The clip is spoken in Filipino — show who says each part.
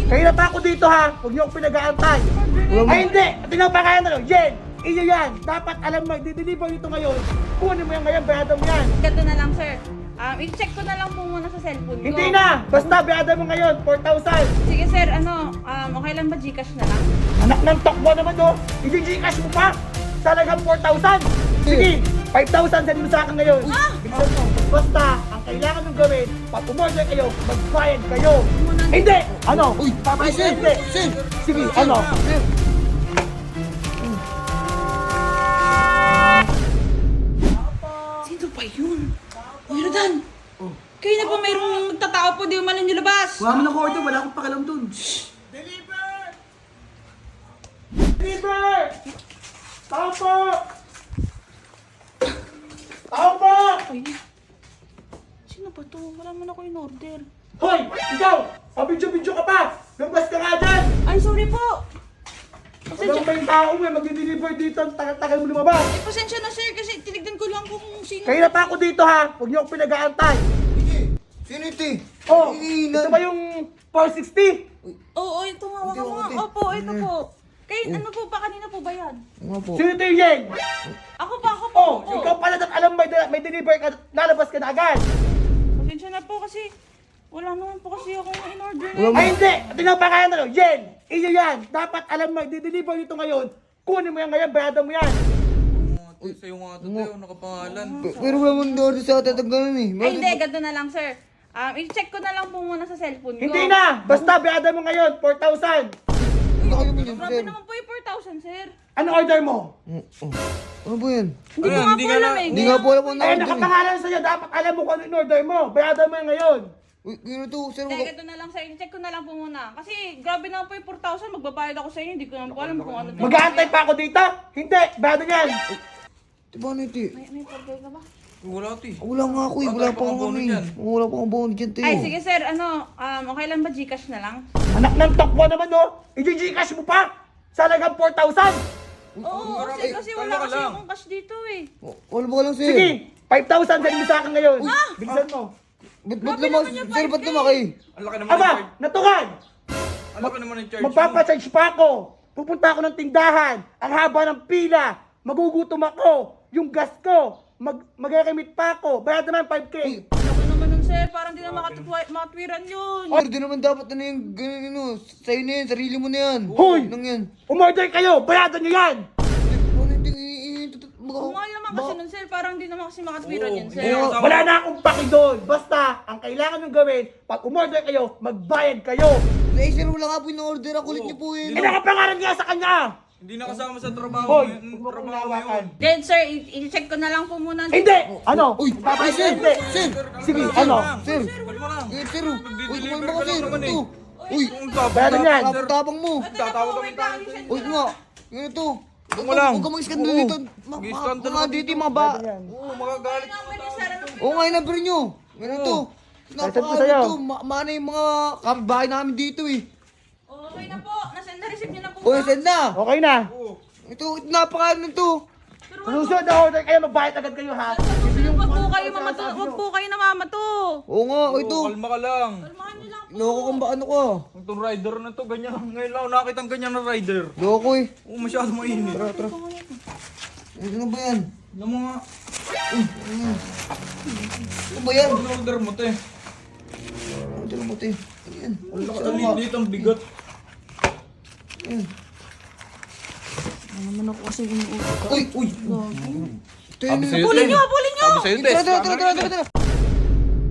Speaker 1: Kayo na pa ako dito ha. Huwag niyo akong pinag-aantay. Ay hindi! Tingnan pa kaya na Jen! Iyo yan! Dapat alam mo, di-deliver dito ngayon. Kunin mo yan ngayon, bayada mo yan.
Speaker 2: Ganito na lang, sir. I-check ko na lang po muna sa cellphone ko.
Speaker 1: Hindi na! Basta bayada mo ngayon, 4,000.
Speaker 2: Sige, sir. Okay lang ba Gcash na lang?
Speaker 1: Anak ng tokbo naman no? I-Gcash mo pa! Talagang 4,000! Sige! 5,000 send mo sa akin ngayon. Bilisan mo. Basta, ang kailangan mong gawin, pag umorder kayo, magbayad kayo. Hindi! Ano?
Speaker 3: Uy,
Speaker 1: Pabayad
Speaker 3: sir,
Speaker 1: hindi.
Speaker 3: sir.
Speaker 1: Sige, ano?
Speaker 3: Sir.
Speaker 2: Sino ba yun? Uy, Rodan! Kayo na po mayroong magtatao po, di umalan nyo labas!
Speaker 3: Wala mo na ko ito, wala akong pakialam dun.
Speaker 1: Deliver! Deliver! Tao po! Tao po!
Speaker 2: Ay, sino ba to? Wala man ako in order.
Speaker 1: Hoy! Ikaw! Pabidyo-bidyo ka pa! Lumabas ka nga dyan!
Speaker 2: Ay, sorry po!
Speaker 1: Walang ba yung tao mo eh, mag-deliver dito, ang tagal-tagal mo lumabas.
Speaker 2: Eh, pasensya na, sir, kasi tinignan ko lang kung sino.
Speaker 1: Kayo na pa ako dito ha, huwag niyo akong pinag-aantay.
Speaker 3: Sino ito eh?
Speaker 1: Oh,
Speaker 3: Ina-
Speaker 1: ito ba yung 460?
Speaker 2: Oo, ito nga, waka
Speaker 3: Hindi,
Speaker 2: mga.
Speaker 3: hindi.
Speaker 2: Opo, ito po. Kayo, ano po ba? Kanina po ba yan?
Speaker 3: Nga po.
Speaker 1: Sino ito yung Yeng?
Speaker 2: Ako po.
Speaker 1: Oh,
Speaker 2: Oo.
Speaker 1: ikaw pala at alam may deliver ka, lalabas ka na agad.
Speaker 2: Pasensya na po kasi wala naman po kasi akong in order.
Speaker 3: Wala mo.
Speaker 1: Ay hindi, tingnan pa kaya na Jen! Iyo yan! Dapat alam mo, di-deliver dito ngayon. Kunin mo yan ngayon, bayada mo yan.
Speaker 4: Uy, sa'yo nga ito tayo, nakapangalan.
Speaker 3: Pero wala mo na order sa atin at ganun eh.
Speaker 2: Ay, hindi, ganito na lang, sir. I-check ko na lang po muna sa cellphone ko.
Speaker 1: Hindi na! Basta bayada mo ngayon, 4,000.
Speaker 3: Ano kayo mo yun,
Speaker 2: Grabe
Speaker 3: sir?
Speaker 2: naman po yung 4,000, sir.
Speaker 1: Ano order mo?
Speaker 3: Oh. Ano ba yan?
Speaker 2: Hindi ko
Speaker 4: Ayun,
Speaker 2: nga
Speaker 4: hindi
Speaker 2: po
Speaker 4: ka
Speaker 2: alam
Speaker 4: na-
Speaker 2: eh.
Speaker 3: Hindi nga po alam kung
Speaker 1: Ay,
Speaker 3: na-order eh.
Speaker 1: nakapangalan sa'yo, dapat alam mo kung ano in-order mo. Bayada mo yan ngayon.
Speaker 3: Uy, gano'n to, sir.
Speaker 2: Hindi, ganito na lang, sir. I-check ko na lang po muna. Kasi grabe naman po yung 4,000. Magbabayad ako sa inyo. Hindi ko naman po alam kung ano.
Speaker 1: Mag-aantay pa ako dito? Hindi, bayada yan.
Speaker 3: Diba ano ito eh?
Speaker 2: May order ka ba?
Speaker 4: Wala ito eh.
Speaker 3: Wala nga ako eh. Wala
Speaker 4: Wala
Speaker 3: pa
Speaker 4: pa
Speaker 3: akong
Speaker 4: kang
Speaker 3: ano
Speaker 4: bono
Speaker 3: eh.
Speaker 4: dyan.
Speaker 3: Wala pa akong bono dyan, Teo.
Speaker 2: Ay, sige, sir. Okay lang ba Gcash na lang?
Speaker 1: Anak ng tokbo naman no? I-Gcash mo pa? Salagang 4,000.
Speaker 2: Oo,
Speaker 4: Ay,
Speaker 2: kasi
Speaker 4: kalma
Speaker 2: wala
Speaker 4: ka
Speaker 2: kasi
Speaker 4: lang.
Speaker 2: akong cash dito eh.
Speaker 3: Wala ba ka lang, sir?
Speaker 1: Sige, 5,000 send mo sa akin ngayon. Bilisan mo.
Speaker 3: Ba't
Speaker 2: Grabe
Speaker 3: naman,
Speaker 2: naman yung
Speaker 3: sir, ba't
Speaker 2: 5K?
Speaker 3: lumaki?
Speaker 4: Ang laki naman
Speaker 1: Aba,
Speaker 4: ng charge.
Speaker 1: natukan!
Speaker 4: Ang laki naman ng charge mo.
Speaker 1: Magpapacharge pa ako. Pupunta ako ng tindahan. Ang haba ng pila. Magugutom ako. Yung gas ko. Mag-remit pa ako. Bayad naman 5K.
Speaker 2: Ako naman nun, sir. Parang di na makatwiran yun.
Speaker 3: Sir, di naman dapat ano yung ganun, ano, sa'yo na yan, sarili mo na yan.
Speaker 1: Hoy!
Speaker 3: Nang yan.
Speaker 1: Umorder kayo. Bayadan nyo yan.
Speaker 3: Ano yung
Speaker 2: Mahal naman kasi nun, sir. Parang di naman kasi makatwiran yun, sir.
Speaker 4: Oo.
Speaker 1: Wala na akong paki doon. Basta, ang kailangan nyo gawin, pag umorder kayo, magbayad kayo.
Speaker 3: Eh, sir, wala nga po yung order. Ang kulit niyo po eh.
Speaker 1: Eh, nakapangalan nga sa kanya.
Speaker 4: Hindi nakasama sa trabaho
Speaker 1: Hoy,
Speaker 4: mo.
Speaker 1: huwag mo kong
Speaker 4: Trabaho mo
Speaker 1: lawakan.
Speaker 4: yun.
Speaker 2: Then, sir, i-check ko na lang po muna.
Speaker 1: Hindi! Ano?
Speaker 3: Uy,
Speaker 1: Papayag
Speaker 3: sir,
Speaker 1: hindi.
Speaker 3: sir.
Speaker 1: Sige,
Speaker 4: Kalma
Speaker 1: ano?
Speaker 4: lang.
Speaker 3: Sir.
Speaker 4: Kalma lang.
Speaker 3: Eh, sir, uy,
Speaker 4: Nagdi-deliver
Speaker 3: kumalma
Speaker 4: ka
Speaker 3: ka,
Speaker 4: lang
Speaker 3: sir.
Speaker 4: naman eh.
Speaker 3: Ito. Uy,
Speaker 4: Ang tapang
Speaker 1: Bayadan yan.
Speaker 3: tapang mo.
Speaker 4: Tatawag kami
Speaker 2: wait lang,
Speaker 4: tayo.
Speaker 2: i-send
Speaker 3: Uy,
Speaker 2: ko na.
Speaker 3: nga. Yan ito.
Speaker 4: Huwag mo lang.
Speaker 3: Huwag ka mag-iskandalo dito.
Speaker 4: Mag-iskandalo
Speaker 3: Mga
Speaker 4: ka
Speaker 3: dito,
Speaker 4: dito.
Speaker 3: mga ba.
Speaker 4: Oo, magagalit.
Speaker 2: Number niyo, sir. Ano po?
Speaker 3: Oo nga, yung number nyo. Yan ito.
Speaker 1: Nasaan ko sa'yo?
Speaker 3: Napaka-ano ito. Mana yung mga kapitbahay namin dito eh.
Speaker 2: Okay na po. Na-receive niyo na po.
Speaker 3: O, send na.
Speaker 1: Okay na.
Speaker 3: Ito, napaka-ano ito.
Speaker 2: Pero
Speaker 1: Sa susunod na order kayo, magbayad agad kayo ha.
Speaker 2: wag po kayo mamato. Wag po kayo namamato.
Speaker 3: Oo nga, ito.
Speaker 4: Kalma ka lang.
Speaker 2: Kalmahan niyo lang.
Speaker 3: Loko kang ba ano ka?
Speaker 4: Itong rider na to, ganyan. Ngayon lang ako nakita ang ganyan na rider.
Speaker 3: Loko eh.
Speaker 4: Oo, masyado mainit.
Speaker 3: Ito na ba yan?
Speaker 4: Ano mo nga?
Speaker 3: Ano ba yan?
Speaker 4: Ano order mo, te?
Speaker 3: Ito na mo, te. Ano yan?
Speaker 4: Ang laki ang liit, ang bigat.
Speaker 3: Ayan.
Speaker 2: Ano naman ako kasi inuulit.
Speaker 3: Uy! Uy! Ito yun.
Speaker 4: Sabi sa'yo,
Speaker 2: Pulin
Speaker 4: te.
Speaker 2: niyo, pulin niyo.
Speaker 4: Sabi sa'yo, te.
Speaker 3: Tara, tara, tara, tara, tara, tara.